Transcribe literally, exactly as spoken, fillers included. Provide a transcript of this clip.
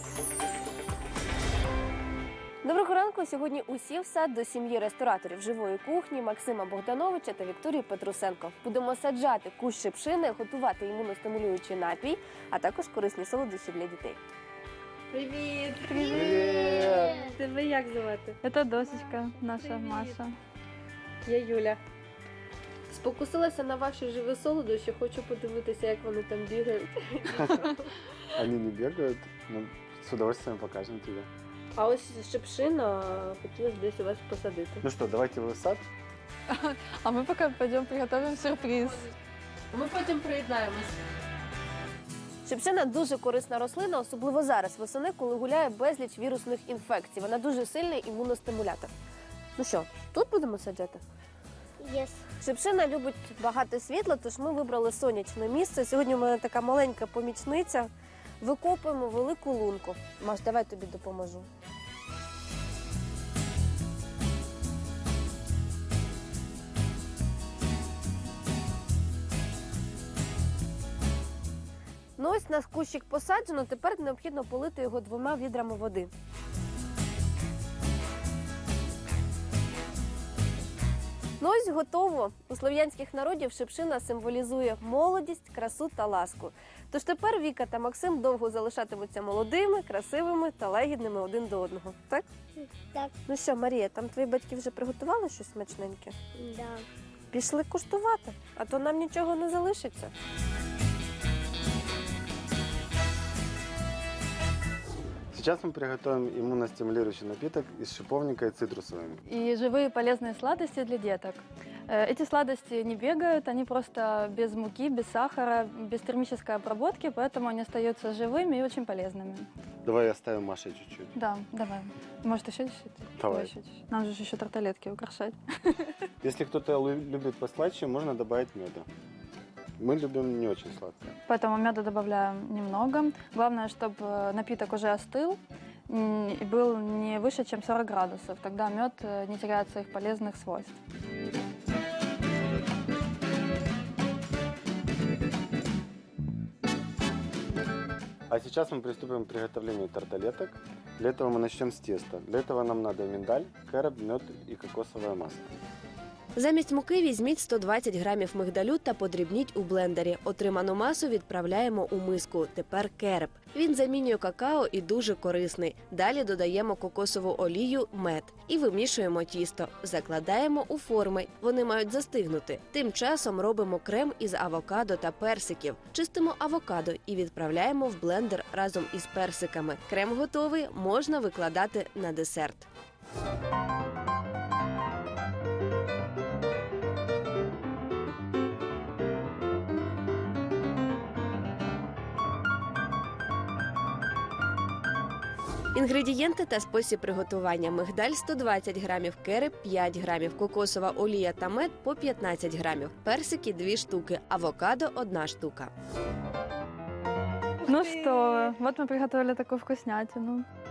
Доброго ранку! Сьогодні усі в сад до сім'ї рестораторів живої кухні Максима Богдановича та Вікторії Петрусенко. Будемо саджати кущ шипшини, готувати імуностимулюючий напій, а також корисні солодощі для дітей. Привіт! Привіт! Тебе як звати? Это досочка наша. Привет. Маша. Я Юля. Спокусилася на ваші живі солодощі, хочу подивитися, як вони там бігають. Они не бегают, но с удовольствием покажем тебе. А ось шипшина хотілося десь у вас посадити. Ну что, давайте в сад. А мы пока пойдем приготовим сюрприз. Ми потім приєднаємось. Шипшина дуже корисна рослина, особливо зараз, восени, коли гуляє безліч вірусних інфекцій. Вона дуже сильний імуностимулятор. Ну що, тут будемо саджати? Yes. Шипшина любить багато світла, тож ми вибрали сонячне місце. Сьогодні у мене така маленька помічниця. Викопуємо велику лунку. Маш, давай тобі допоможу. Ну ось наш кущик посаджено, тепер необхідно полити його двома відрами води. Ну ось готово. У слов'янських народів шипшина символізує молодість, красу та ласку. Тож тепер Віка та Максим довго залишатимуться молодими, красивими та лагідними один до одного. Так? Так. Ну що, Марія, там твої батьки вже приготували щось смачненьке? Да. Пішли куштувати, а то нам нічого не залишиться. Сейчас мы приготовим иммуностимулирующий напиток из шиповника и цитрусовыми. И живые полезные сладости для деток. Э, Эти сладости не бегают, они просто без муки, без сахара, без термической обработки, поэтому они остаются живыми и очень полезными. Давай оставим Маше чуть-чуть. Да, давай. Может, еще чуть-чуть? Давай. Еще чуть-чуть. Нам же еще тарталетки украшать. Если кто-то лю- любит послаще, можно добавить меда. Мы любим не очень сладкое. Поэтому меда добавляем немного. Главное, чтобы напиток уже остыл м, и был не выше, чем сорок градусов. Тогда мед э, не теряет своих полезных свойств. А сейчас мы приступим к приготовлению тарталеток. Для этого мы начнем с теста. Для этого нам надо миндаль, кэроб, мед и кокосовое масло. Замість муки візьміть сто двадцять грамів мигдалю та подрібніть у блендері. Отриману масу відправляємо у миску. Тепер кереп. Він замінює какао і дуже корисний. Далі додаємо кокосову олію, мед. І вимішуємо тісто. Закладаємо у форми. Вони мають застигнути. Тим часом робимо крем із авокадо та персиків. Чистимо авокадо і відправляємо в блендер разом із персиками. Крем готовий, можна викладати на десерт. Інгредієнти та спосіб приготування: мигдаль сто двадцять грамів, кереп п'ять грамів, кокосова олія та мед по п'ятнадцять грамів, персики дві штуки, авокадо одна штука. Ну что, вот мы приготовили такую вкуснятину.